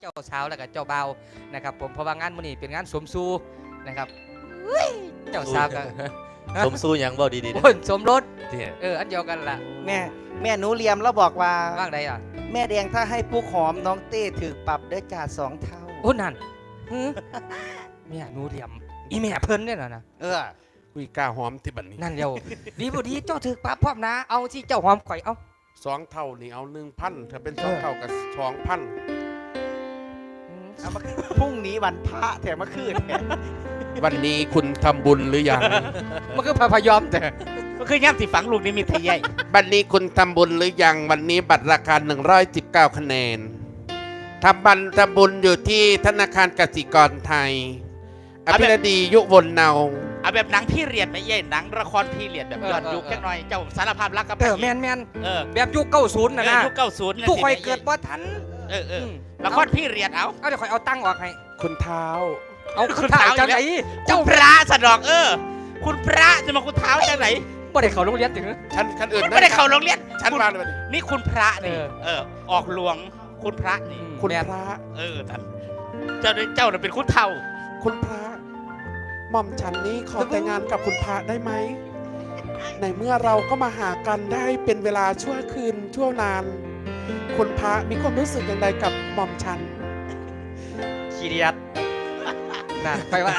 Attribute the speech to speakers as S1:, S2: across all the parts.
S1: เจ้าสาวแล้วก็เจ้าบ่าวนะครับผมเพราะว่างานมื้อนี้เป็นงานสมสู่นะครับเจ้าสาวก็
S2: สมสู้ยังบ่ดีๆนะ
S1: โอ้ยสมรส
S2: เนี่ย
S1: อันเดียวกันล่ะ
S3: แม่หนูเลียมแล้วบอกว่า
S1: ว่างใดอ่ะ
S3: แม่แดงถ้าให้ปุ๊กหอมน้องเต้ถือปรับเด้อจ่า2 เท่า
S1: โอ้นั่นหือแม่หนูเหลี่ยมอีแม่เพิ่นเนี่ยนะ
S3: เออ
S4: คุยกล้าหอมที่บัดนี้
S1: นั่นเดียวดีบ่ดีเจ้าถือปรับพร้อมนะเอาสิเจ้าหอมข่อยเอา
S4: 2 เท่านี่เอา1,000ถ้าเป็น2 เท่ากับ2,000
S3: เอามาพรุ่งนี้วันพระแถมมาคืน
S4: วันนี้คุณทำบุญหรือยัง
S1: มันก็พยอมแต่
S5: ก็คือย่ำที่ฝังลูกนิมิตไทยใหญ่
S4: วันนี้คุณทำบุญหรือยังวันนี้บัตรราคา119คะแนนทำบุญอยู่ที่ธนาคารกสิกรไทยอภิรดียุวนเนา
S5: เอาแบบหนังพี่เรียดไหมเย่หนังละครพี่เรียดแบบย้อนยุคแค่หน่อยเจ้าสารภาพรักกับ
S1: แม่น
S5: เออ
S1: แบบยุค90น่ะนะ
S5: ยุค90
S1: ทุกข่อยเกิดบ่ทัน
S5: เออละครพี่เรียดเอา
S1: เอาเดี๋ยวข่อยเอาตั้งออกให้
S4: คุณเท้า
S1: เอาคุณเท้าจังไหน
S5: เจ้าพระสะดอกคุณพระจะมาคุณเท้าจากไหน
S1: บ่ได้เข้าโรงเรียนถึง
S4: ฉันอื่น
S5: ไม่ได้เข้าโรงเรียน
S4: ฉันมาเลย
S5: นี่คุณพระนี่ออกหลวงคุณพระนี่
S4: คุณ
S1: แม่
S4: พระ
S5: ท่านเจ้าน่ะเป็นคุณเท่า
S4: คุณพระหม่อมฉันนี้ขอแต่งงานกับคุณพระได้ไหมในเมื่อเราก็มาหากันได้เป็นเวลาชั่วคืนชั่วนาน คุณพระมีความรู้สึกอย่างไรกับหม่อมฉัน
S1: ขี้เดียดน่ะไปว่า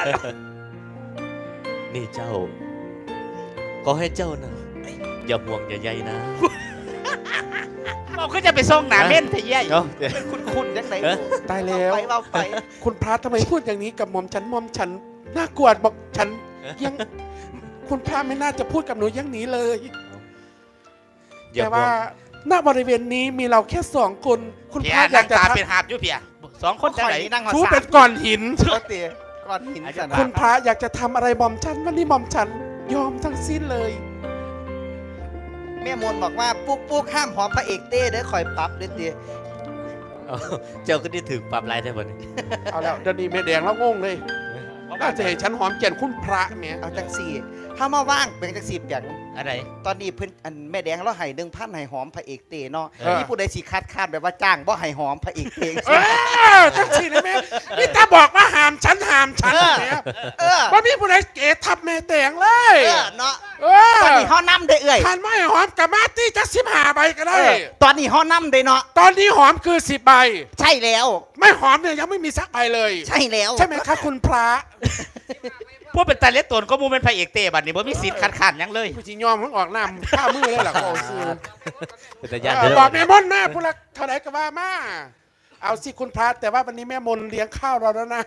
S2: นี่เจ้า ก็ให้เจ้านะอย่าห่วงอย่าใยนะ
S5: บอกก็จะไปส่งหนาเม่นไทยใหญ่
S2: เนาะ
S3: คุณยังไง
S4: ตายแล้ว
S3: ไปเราไป
S4: คุณพระทำไมพูดอย่างนี้กับหม่อมฉันน่ากลัวบอกฉันยัง คุณพระไม่น่าจะพูดกับหนูอย่างนี้เลย
S2: อย่า
S4: แต่
S2: ห่ว
S4: ว่าง ณบริเวณนี้มีเราแค่2 คน คุณ
S5: เพี
S4: พ
S5: ย
S4: ระอยา
S5: นั่
S4: ก
S5: ง
S4: จะ
S5: ตา
S4: ทัก
S5: เป็นหาบอยู่เพีย2 คนจะไหน
S3: นั่งหัว
S4: ชู
S3: สา
S4: เป็นก้อนหิน
S3: ปกติก้อนหินสัน
S4: คุณพระอยากจะทำอะไรหม่อมฉันวันนี้หม่อมฉันยอมทั้งสิ้นเลย
S3: แม่มนบอกว่าปุ๊กห้ามหอมพระเอกเต้เด้อคอยปรับเด้อเต้
S2: เอาเจ้าก็ได้ถึงปรับลายได้บ่นี่
S4: เอาแล้วเดี๋ยวนี้แม่แดงแล้วงงเลยน่าจะให้ฉันหอมแก่นคุณพระเนี่ย
S3: เอาจังสี่ถ้ามาว่างเป็นจังสี่เปียง
S5: อะไร
S3: ตอนนี้เพิ่นอันแม่แดงเราให้1,000ให้หอมพระเอกเต้เนาะ
S2: เออ
S3: นี่ผู้ใดสิคัดแบบว่าจ้างบ่ให้หอมพระเอกเต้
S4: จังสิเลยแม่นี่ตาบอกว่าห้ามฉันเนี่ย
S3: เออ
S4: ว่ามีผู้ใดเกทับแม่แดงเลย
S3: เนาะ
S4: เออ
S3: ตอนนี้เฮานํได้เอ้ย
S4: ทานไม่หอมกับมาตี้จะ15 ใบก็ได้
S3: ตอนนี้เฮานํได้เนาะ
S4: ตอนนี้หอมคือ10 ใบ
S3: ใช่แล้ว
S4: ไม่หอมเนี่ยยังไม่มีสักใบเลย
S3: ใช่แล้ว
S4: ใช่ไหมครับคุณพระ
S5: พวกเป็นตาเล็ดตนก็มูเป็นพระเอกเต้บัดนี้บ่มีสิทธิ์คัดค้านหยังเลย
S4: ผู้ชิยอมมันออกน้ำข้ามือเลยหรอก็เอาซื้อ
S2: เป็นตาญาติเด้
S4: บอก
S2: อ
S4: แม่มนแม่พูดละเท่าไหร่ก็ว่ามาเอาสิคุณพระแต่ว่าวันนี้แม่มนเลี้ยงข้าวเราแล้วนะ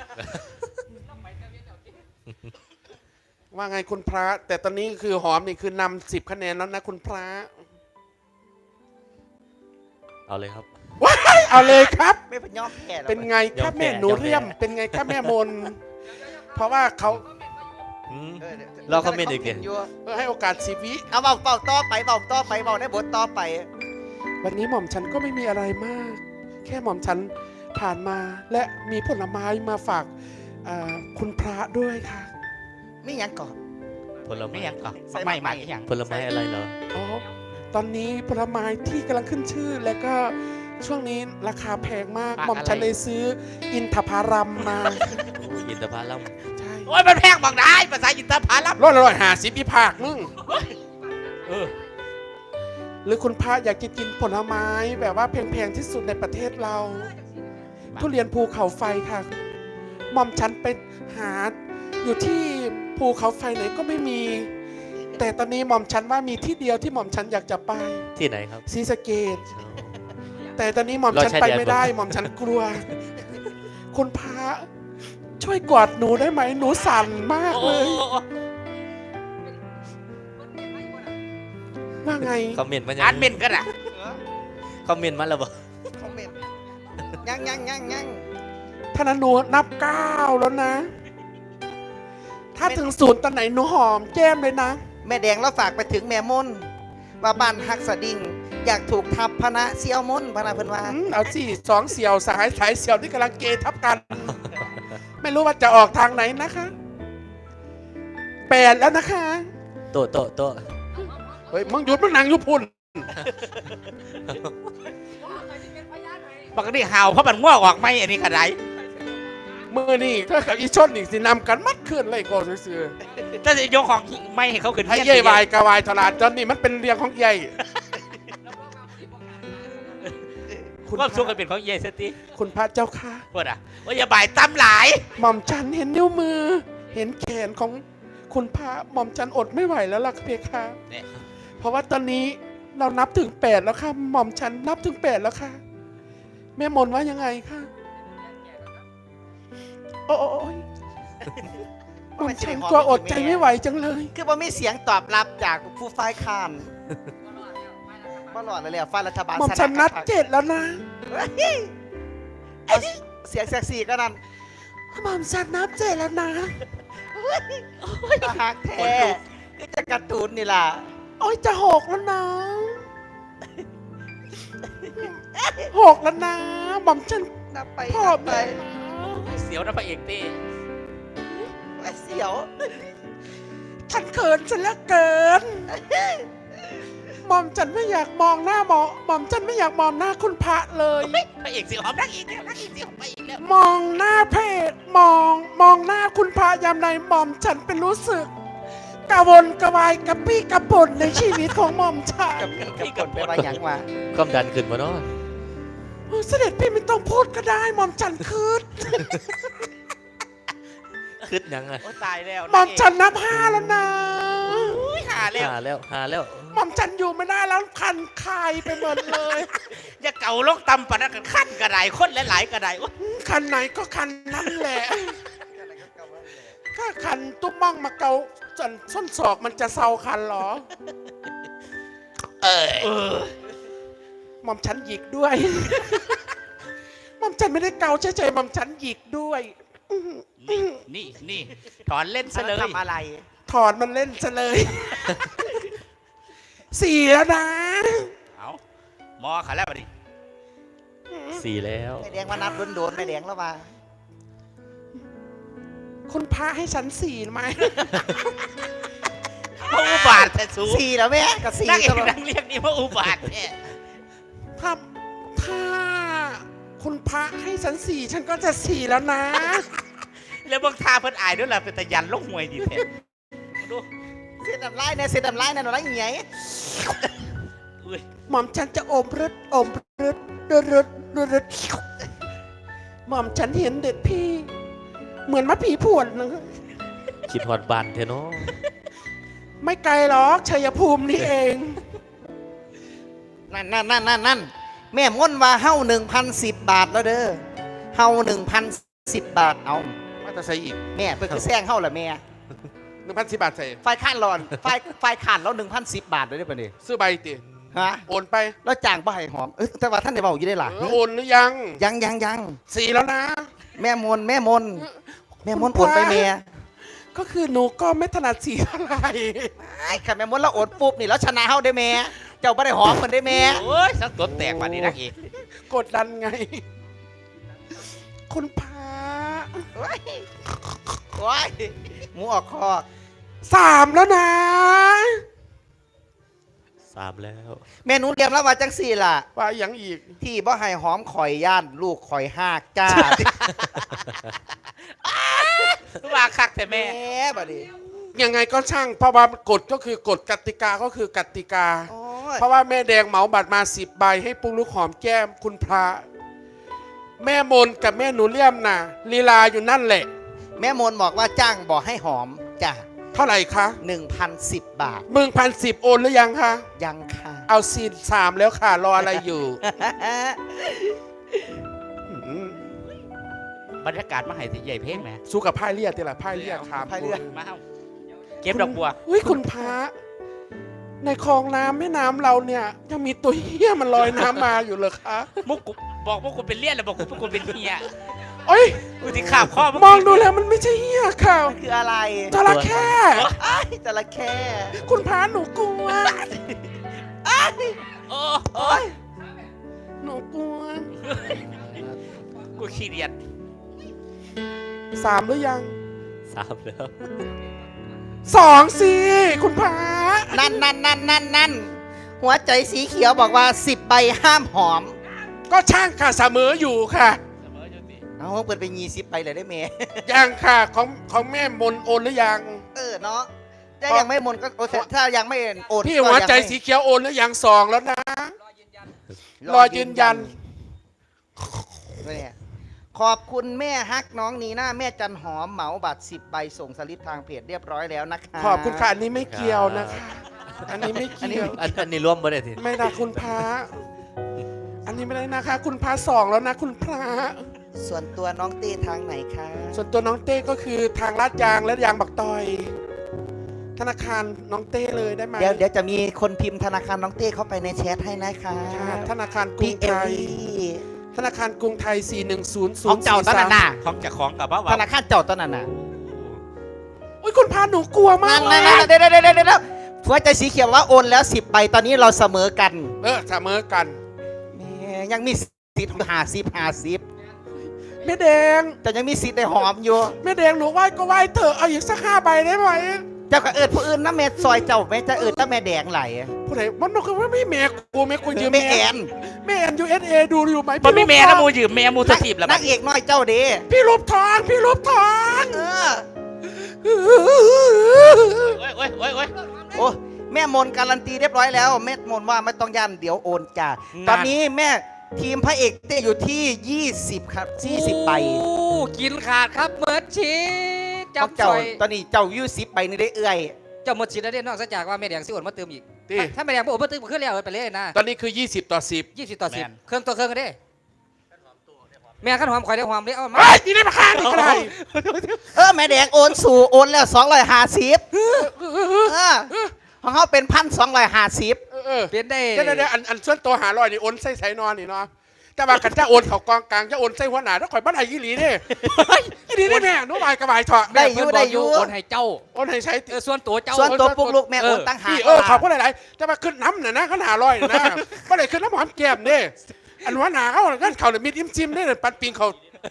S4: ว่าไงคุณพระ แต่ตอนนี้คือหอมนี่คือนำ10 คะแนนแล้วนะคุณพระ
S2: เอาเลยครับ
S4: ว้ายเอาเลยครับ
S3: ไม่เป็นยอมแพ้แล้ว
S4: เป็นไงครับแม่หนูเรียม เป็นไงครับแม่มน เพราะว่าเขา
S2: อืม
S3: เออดี๋ยว
S2: เราคอมเมนต์อีกดิ
S3: ยู่
S4: ให้โอกาส10 วิ
S3: เอาเบาต่อไปเบาในบทต่อไป
S4: วันนี้หม่อมฉันก็ไม่มีอะไรมาก แค่หม่อมฉันผ่านมาและมีผลไม้มาฝากคุณพระด้วยค่ะ
S3: ไม่ยังก่อน
S2: ผล
S5: ไม่
S2: ไม้
S5: หยังก่อนไม่ใหม่หยัง
S2: ผลไม้อะไรเหรอ
S4: อ๋อ ตอนนี้ผลไม้ที่กำลังขึ้นชื่อ แล้วก็ช่วงนี้ราคาแพงมาก หม่อมฉันเลยซื้ออินทผลัมมา
S2: โอ้ยอินทผลัม
S4: ใช่
S5: โอ้ยมันแพงบอกได้ภาษาอินเตอร์พาลับ
S4: 150พี่ภาคมึง
S5: เออ
S4: หรือคุณพระอยากจะกินผลไม้แบบว่าแพงๆที่สุดในประเทศเรา ทุเรียนภูเขาไฟค่ะ หม่อมฉันไปหาอยู่ที่ภูเขาไฟไหนก็ไม่มี แต่ตอนนี้หม่อมฉันว่ามีที่เดียวที่หม่อมฉันอยากจะไป
S2: ที่ไหนครับ
S4: ศรีสะเกษแต่ตอนนี้หม่อมฉันไปไม่ได้ หม่อมฉันกลัว คุณพระช่วยกอดหนูได้ไหมหนูสั่นมาก
S5: โอ้
S4: เลย ว่าไง
S2: คอมเมนต์มา
S5: อ่านเม่นกันอ่ะ
S2: คอมเมนต์มาแล้วบ่
S3: คอมเมนต์ยัง
S4: ถ้านั้นหนูนับ9แล้วนะ ถ้าถึง0ตอนไหนหนูหอมแก้มเลยนะ
S3: แม่แดงเราฝากไปถึงแม่มนว่าบ้านฮักสะดิ่งอยากถูกทับพนะเสี่ยวมนพนะเพิ่นว่า
S4: เอาสิ2 เสี่ยวสายเสี่ยวที่กำลังเกทับกัน ไม่รู้ว่าจะออกทางไหนนะคะ8แล้วนะคะ
S2: โตะโตะโตะ
S4: เฮ้ยมึงหยุดมึงนั่งอยู่พุ่น
S5: ปกติเห่าเพราะมันง่วงออกไหมอันนี้กระไร
S4: มือนี่ก็กับอีชนนี่สินำกันมัดขึ้นเลยก่อนซื้อ
S5: ถ้าจะยกของไม่ให้เขาขึ้น
S4: ให้
S5: เฮี้ยน
S4: เย่ยวายกะวายตลาดจนนี่มันเป็นเรียงของใหญ่
S5: ความสุขกันเป็นของเย่สติ
S4: คุณพระเจ้าค่ะ
S5: พูดอ่ะว่าอย่าบ่ายตั้มหลาย
S4: หม่อมฉันเห็นนิ้วมือ เห็นแขนของคุณพระหม่อมฉันอดไม่ไหวแล้วล่ะเพคะ
S5: เนี่ย
S4: เพราะว่าตอนนี้เรานับถึง8แล้วค่ะหม่อมฉันนับถึง8แล้วค่ะแม่มนว่ายังไงคะโอ้ยหม่อมฉันกลัวอดใจไม่ไหวจังเลย
S3: คือว่ามีเสียงตอบรับจากผู้ฝ่ายค้านบ่หลอดเลยฝ่ายรัฐบาล
S4: หม่อมฉันนัด7แล้วนะ
S3: เอาเสียงแซ็กซี่ก็นั่น
S4: หม่อมฉันนับ7แล้วนะ
S3: หักแท้ก็จะการ์ตูนนี่ล่ะ
S4: โอ้ยจะ6แล้วนะ6แล้วนะหม่อมฉัน
S3: นับไป
S4: พ่อ
S3: นับไป
S4: ไป
S5: เสียวนะพระเอกเต้
S3: เสียว
S4: ฉันเขินฉันเหลือเกินหม่อมฉันไม่อยากมองหน้าหม่อมฉันไม่อยากมองหน้าคุณพระเลย
S5: พระเอกสิหอมนักอีกแล้วนักอีกสิหอมไปอีกแล้ว
S4: มองหน้าเพจมองหน้าคุณพระยามใดหม่อมฉันเป็นรู้สึกกระวนกระวายกระปี้กระป่นในชีวิตของหม่อมฉัน
S3: กับกดไปว่าหยังวะ
S2: ความดันขึ้นมาเนาะ
S4: เสด็จพี่ไม่ต้องพูดก็ได้หม่อมฉันคืด
S2: คึดยังอ่ะ
S5: โอ้ตายแล้ว
S4: หม่อมฉันนับ5แล้วนะ
S5: อุ้ยหาแล้ว
S2: หาแล้ว
S4: หม่อมฉันอยู่ไม่ได้แล้วคันคายไปหมดเลย
S5: อย่าเก่าลงตำปะนักกันขั้นกระไดคนหลายๆกระไดโอ๊ย
S4: คันไหนก็คันนั้นแหละถ้าคันตุ้มมั่งมาเกาจนส้นศอกมันจะเซาคันเหรอ
S5: เออ
S4: หม่อมฉันหยิกด้วย หม่อมฉันไม่ได้เกาเฉยๆหม่อมฉันหยิกด้วย
S5: นี่ถอนเล่นซะเลย
S3: ทำอะไร
S4: ถอนมันเล่นซะเลย 4แล้วนะ
S5: เอาหมอขาแล้วบัดนี้
S2: 4แล้ว
S3: แม่แดงมานับโดนๆแม่แดงแล้วว่า
S4: คุณพระให้ฉัน4ไหม
S5: พระอุบาทแต่สูง
S3: 4แล้วแม่กับ
S5: นั่ง
S3: 4
S5: เอ
S3: ต
S5: ก
S3: ลอด
S5: นั่งเรียกนี่พระอุบาทแท้
S4: ถ้าคุณพระให้ฉัน4ฉันก็จะ4แล้วนะ
S5: แล้วบางทาเพิ่นอายด้วยล่ะเป็นตะยันลงหวยดีแท้ดู
S3: เสียดำไล่เนี่ยเสียดำไล่เนี่ยหนูไล่เหี้ย
S5: อุ้ย
S4: หม่อมฉันจะอมรึดรึดหม่อมฉันเห็นเด็ดพี่ เหมือนมะผีผวนนะ
S2: คิดฮอดบานเถอะเนาะ
S4: ไม่ไกลหรอกชัยภูมินี่เอง
S3: นั่นแม่ม่นว่าเฮา1,010 บาทแล้วเด้อเฮา1,010 บาทเอา
S4: มาแต่ใส่อีก
S3: แม่เพิ่นคือแซงเฮาล่ะแม่
S4: 1,010 บาทใส่
S3: ฝ่ายค้านร้อนฝ่ายค้านเรา1,010 บาทเลยได้ป่ะนี่
S4: ซื้อใบติ
S3: ฮะ
S4: โอนไป
S3: แล้วจ้างบ่ให้หอมแต่ว่าท่านได้เว้าอยู่ได้ล่ะ
S4: โอนหรือยัง
S3: ยัง
S4: 4แล้วนะ
S3: แม่มนโอนไปแม่
S4: ก็คือหนูก็ไม่ถนัดสีเท่าไหร่
S3: ไอ้ค่ะแม่มนเราโอนปุ๊บนี่แล้วชนะเฮาได้แม่เจ้าบ่ได้หอมเหมือนได้แม่
S5: โอ้ยสักตัวแตกบัดนี้นักเอก
S4: กดดันไง คุณพระ
S3: โอ้ยหมูออกคอก
S4: 3แล้วนะ
S2: 3แล้ว
S3: แม่หนูเรียมแล้วว่าจังสี่ล่ะ
S4: ว่าอย่างอีก
S3: ที่บ่ให้หอมข่อยย่านลูกข่อยหากจ้า
S5: ว่าคักแต่
S3: แม่
S5: แม่
S3: บัดนี้
S4: ยังไงก็ช่าง เพราะว่ากฎก็คือกฎกติกาก็คือกติกา
S3: โอ้ย
S4: เพราะว่าแม่แดงเหมาบัตรมา10 ใบให้ปุ๊กลุกหอมแก้มคุณพระ แม่มนกับแม่หนูเลี่ยมน่ะลีลาอยู่นั่นแหละ
S3: แม่มนบอกว่าจ้างบอกให้หอมจ้า
S4: เท่าไหร่คะ
S3: 1,010 บาท
S4: 1,010โอนหรือยังคะ
S3: ยังค่ะ
S4: เอาซีน3แล้วค่ะ รออะไรอยู่อืม
S5: บรรยากาศมาให้สิใหญ่เพลงแหม
S4: สู้กับพ่ายเลียดนี่แหละพ่ายเลียดถาม
S3: พายเรือ
S5: มาเอาเก็บดอกบัว
S4: อุ้ยคุณพระในคลองน้ำแม่น้ำเราเนี่ยยังมีตัวเหี้ยมันลอยน้ำมาอยู่เลยคะ
S5: มุกกูบอกว่ากูเป็นเลี้ยนแล้วบอกกูเป็นเฮีย
S4: โอ้ย
S5: กูที่ขาบข้อ
S4: มองดูแล้วมันไม่ใช่เหี้ยค่ะ
S3: มันคืออะไร
S4: จระเข้
S3: ไอ้จระเข้
S4: คุณพระหนูกลัว
S5: โอ้
S3: โอ้ย
S4: หนูกลัว
S5: กูขี้เดียด
S4: 3หรือยัง
S2: 3แล้ว
S4: 2สิคุณพระ
S3: นั่นหัวใจสีเขียวบอกว่า10 ใบห้ามหอม
S4: ก็ช่างค่ะเสมออยู่ค่ะ
S5: เสมออยู่ติ
S3: เอาเปิดไป20ไปเลยได้แม่
S4: ยังค่ะของแม่มนโอนหรือยัง
S3: เนาะถ้ายังไม่หมดก็โอเคถ้ายังไม่โอน
S4: พี่
S3: ก็
S4: หัวใจ
S3: ยังไม่
S4: สีเขียวโอนหรือยัง2แล้วนะ รอยืนยัน
S3: เนี่ยขอบคุณแม่ฮักน้องนีน่าแม่จันหอมเหมาบัตร10 ใบส่งสลิปทางเพจเรียบร้อยแล้วนะคะ
S4: ขอบคุณค่ะอันนี้ไม่เกี่ยวนะคะ อันนี้ไม่เกี่ยว
S2: อันนี้ร่วมบ่ได้ที
S4: ไม่นะคุณพระอันนี้ไม่ได้นะคะ คุณพระ2แล้วนะคุณพระ
S3: ส่วนตัวน้องเต้ทางไหนคะ
S4: ส่วนตัวน้องเต้ก็คือทางลาดยางและยางบักตอย ธนาคารน้องเต้เลยได้ไหม
S3: เดี๋ยวจะมีคนพิมพ์ธนาคารน้องเต้เข้าไปในแชทให้นะคะ
S4: ค่ะธนาคารกรุ
S3: พี่
S4: ง
S3: เอ
S4: ไท
S3: ล
S4: ย
S3: ลี่
S4: ธนาคารกรุงไทย 410
S5: ของเจ้าตอนนั้นน่ะของเจ้าของกับว่า
S3: ธนาคารเจ้าตอนนั้นน่ะ
S4: อุ้ยคุณพาหนูกลัวมาก
S3: นั่น
S4: เลย
S3: เดี๋ยวหัวใจสีเขียวว่าโอนแล้ว10 ใบตอนนี้เราเสมอกัน
S4: เสมอกัน
S3: แม่ยังมีสิทธิ์50
S4: แม่แดง
S3: แต่ยังมีสิทธิ์ได้หอมอยู่
S4: แม่แดงหนูไหว้ก็ไหว้เถอะเอาอีกสัก5 ใบได้ไหม
S3: เจ้าก็เอิดผู้อื่นนะแม่ซอยเจ้าแม่จะเอิดถ้าแม่แดงไหล
S4: ผู้ใดมันบอกว่าไม่แม่กูยืม
S3: แม่แอน
S4: แม่แอน USA ดูอยู่ไหม
S5: มันไม่แม่นะมู
S4: พี่
S5: ยืมแม่มูสถีบแล้ว
S3: นักเอกน้อยเจ้าเด้
S4: พี่รูปทองพี่รูปทอง
S5: โอ้ย
S3: โอ้แม่มนการันตีเรียบร้อยแล้วแม่มนว่าไม่ต้องยันเดี๋ยวโอนจ้าตอนนี้แม่ทีมพระเอกเต้อยู่ที่20ครับ40 ใบ
S1: โอ้กินขาดครับเมิดชีส
S3: ของ
S1: จำ
S3: เจ้า
S1: ซอย
S3: ตอนนี้เจ้าอยู่10 ใบนี่ได้เอื้อย
S1: เจ้าหมดชีสแล้วเด้นอกจากว่าแม่แดงสิโอนมาเติมอีก
S4: ที่
S1: ถ้าแม่แดงบ่โอนมาเติมก็ขึ้นแล้วไปเลยนะ
S4: ตอนนี้คือ20 ต่อ 10
S1: 20 ต่อ 10 เครื่องตัวเครื่องกันเด้แม่ขั้นหอมข่อยได้หอมเด้เอามา
S4: เฮ้ยนี่ได้มาฆ่านี่ก็ได้
S3: แม่แดงโอนสู่โอนแล้ว250ของเขาเป็น1,250
S1: เปลี่ยนได้
S4: เดี๋ยวอันส่วนตัวหาลอยนี่โอนใส่ใส่นอนนี่เนาะแต่ว่ากันจะโอนเขากองกลางจะโอนใส่หัวหน้าถ้าข่อยบ้านไห้ยี่หลีเนี่ยยี่หลีได้แม่หนูบายกระบายเถอะ
S3: ได้อยู่
S1: เพิ่นบ
S3: ได้
S1: ก
S3: อยู่
S1: โอนให้เจ้า
S4: โอนให้ใช้
S1: ส่วนตัวเจ้า
S3: ส่วนตัวปุกลูกแม่โอนตั้งหาก
S4: พี่ขอบคุณหลายๆจะมาขึ้นน้ำน่ะนะเขาหาลอยน่ะนะก็เลยขึ้นน้ำหอมแก้มเนี่ยอันหัวหน้าเขาเขาเลยมีดอิ่มซิมเนี่ยปัดปิงเขา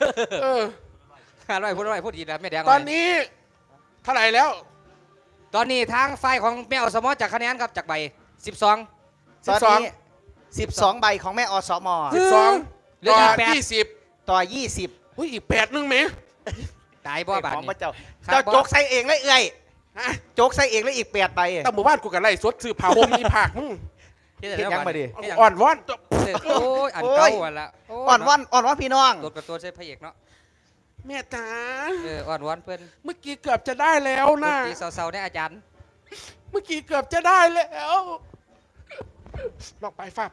S1: พูดดีนะแม่แดง
S4: ตอนนี้เท่าไหร่แล้ว
S1: ตอนนี้ทางฝ่ายของแม่อสมจากคะแนนครับจากใบ 12
S3: ตอนนี้12 ใบของแม่อสม
S4: 12
S1: เหลือ
S4: ต่
S1: อี
S4: อก
S1: 8
S4: 20
S3: ต่อ 20
S4: อุ้ยอีก8นึงไหม
S1: ตายบ่บาด
S3: ของพ
S1: นี้
S3: ระเจ้า
S1: ครับ
S3: เจ้าโจกใส่เองเลยเอื้อย
S4: ฮะ
S3: โจกใส่เองแล้วอีก8 ใบ
S4: แต่หมู่บ้านกูกันไล่สดซื้อผ้าห่มอีผากมึง
S1: เฮ็ดยังมาดิ
S4: อ่อนวอน
S1: โอ้ยอันเก่าอันละ
S3: อ่อนว่อนพี่น้อง
S1: ตัวกับตัวใช่พระเอกเนาะ
S4: แม่จ๋า
S1: อ่อนวอนเพิ่น
S4: เมื่อกี้เกือบจะได้แล้ว
S1: ด
S4: นะ
S1: นตรีเศร้าๆได้อาจารย์
S4: เมื่อกี้เกือบจะได้แล้วลองไปฝ้า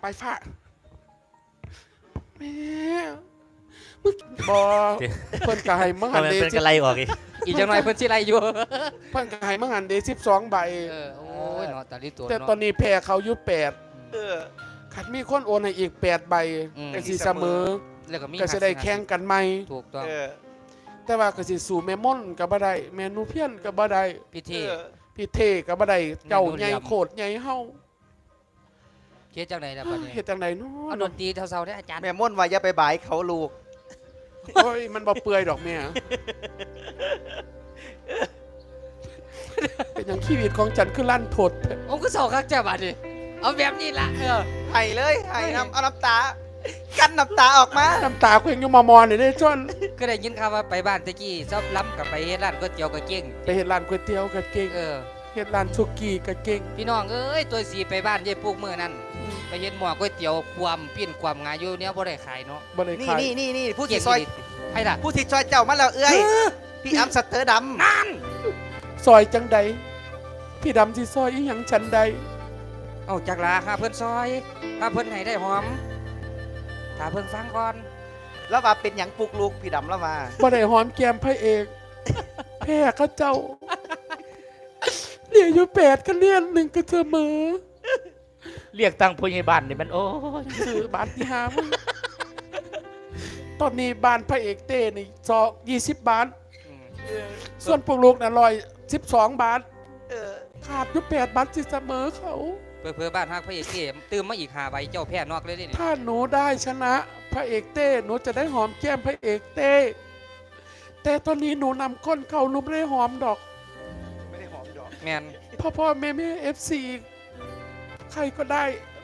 S4: แม่เมื่อกี้บอเพิ่นกายมังหั
S2: ทำ
S4: น
S2: ไม
S4: เด
S2: เป็นกระไรออกอีก
S1: อีกจังหน่อยเพิ่นสิไล่อยู่
S4: เพิ่นกายมังหันเด12 ใบ
S1: โอ้ยเนาะตาลิตัว
S4: แต่
S1: เนาะ
S4: ตอนนี้แพ้เขายุ8
S3: เออ
S4: ขัดมีคนโอนให้อีก8 ใบ
S1: อืม
S4: ก็สิเสมอ
S1: แล้วก็มี
S4: ก็จะได้แข่งกันใหม่
S1: ถูกต้อง
S3: เออ
S4: แต่ว่าก็สิสู่แม่ม่อนก็บ่ได้แม่นูเพียนก็บ่ได้
S1: พิธี
S4: พี่เทก็บ่ได้เจ้า
S1: แม่นู
S4: ใหญ่
S1: เหลี่ยม
S4: โคตรใหญ่เฮา
S1: เฮ็ดจังไดล่ะบัดนี้
S4: เฮ็ดจังไดเนา
S1: เอาด
S4: ะ
S1: นตรีเศร้าๆได้อาจารย์
S3: แม่ม่วนว่าอย่าไปบ่ายเขาลูก
S4: โอ้ยมันบ่เปื่อยดอกแม่เป็นอย่างชีวิตของฉันคือลั่นทด
S1: โอ้ก็เศร้าคักจ้ะบัดนี้เอาแบบนี้ล่ะ
S3: ไห้เลยไห้น้ำเอาน้ำตา กันน้ำตาออกมา
S4: น้ำตาเคว้งอยู่มอๆนี่เด้จน
S1: ก็ได้ยินข่าวว่าไปบ้านตะกี้ชอบล้ำกับไปเฮ็ดร้านก๋วยเตี๋ยวก็เก่ง
S4: ไปเฮ็ดร้านก๋วยเตี๋ยวก็เก่งเฮ็ดร้านสุกี้ก็เก่ง
S1: พี่น้องเอ้ยตัวสีไปบ้านยายปลูกมื้อนั้นไปเฮ็ดหม้อก๋วยเตี๋ยวความปิ้นความงาอยู่เนี่ยบ่ได้ขายเนาะ
S4: บ่ได้
S3: นี่
S4: ขาย
S3: นี่ผู้
S1: เก่
S3: ที่
S1: ง
S3: ซอย
S1: อีหลีให้ล่ะ
S3: ผู้ที่ซอยเจ้ามาแล้วเอื้อย พี่อัมสเตอร์ดัม
S4: ซอยจังใดพี่ดำสิซอยอีหยังฉันใด
S1: เอาจักลาค่ะเพิ่นซอยถ้าเพิ่นให้ได้หอมถ้าเพิ่นฟังก่อน
S3: แล้วว่าเป็นอย่างปลุกลูกพี่ดำแล้วมา
S4: บ่ได้หอมแก้มพระเอก แพ้เขาเจ้าเรียนอยู่8ก็เรียน1ก็เสมอ
S5: เรียกตังผู้ใหญ่บ้านนี่มันโอ้ย
S4: ซื้อบาทที่หามึงตอนนี้บ้านพระเอกเต้นี่20 บาท
S1: อืม
S4: ส่วนพวกลูกน่ะ112 บาท
S3: เออ
S4: ขาดอยู่8 บาทสิเสมอเขา
S1: เพื่อบ้านฮักพระเอกเกมตื่มมาอีก5ใบเจ้าแพ้นอกเลยเด้นี่
S4: ถ้าหนูได้ชนะพระเอกเต้หนูจะได้หอมแก้มพระเอกเต้แต่ตอนนี้หนูนำก้นเขาหนูไม่ได้หอมดอก
S3: ไม่ได้หอมดอก
S1: แม่น
S4: พ่อแม่FC ใครก็ได้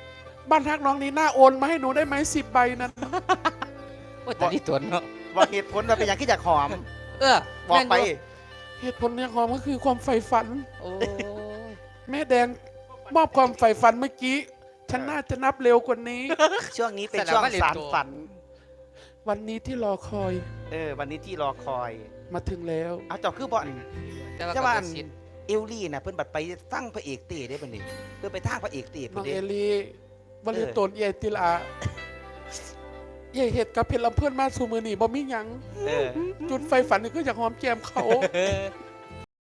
S4: บ้านฮักน้องนี้น่าโอนมาให้หนูได้ไหม10 ใบนั้น
S1: โอ้ยแต่นี่ตัวเนาะ
S3: บอกเหตุผลว่าเป็นอย่างที่อยากหอม
S1: เออ
S3: บอกไป
S1: แม่นยู่
S4: เหตุผลเนี่ยความก็คือความใฝ่ฝัน
S1: โอ้ย
S4: แม่แดงมอบความใฝ่ฝันเมื่อกี้ ฉันน่าจะนับเร็วกว่านี้
S3: ช่วงนี้เป็นช่วงสารฝัน
S4: วันนี้ที่รอคอย
S3: วันนี้ที่รอคอย
S4: มาถึงแล้ว
S3: เอาเจาคือบอล
S1: แต่ว่า
S3: จะ
S1: ก็
S3: ว่า
S1: บ่สิทธิ์
S3: เอลลี่นะเพิ่นบัดไปตั้งพระเอกเต้ได้ปะนี่เพื่อไปทางพระเอกเต้
S4: น้
S3: เพิ่
S4: อน ง
S3: เด้
S4: เอลีบริโตนเอติลาเย่เห็ดกับเพชรลำเพื่อนมาสู่มือหนีบ่มีหยัง
S3: เออ
S4: จุดไฟฝันนี่ก็อยากหอมแก้มเขา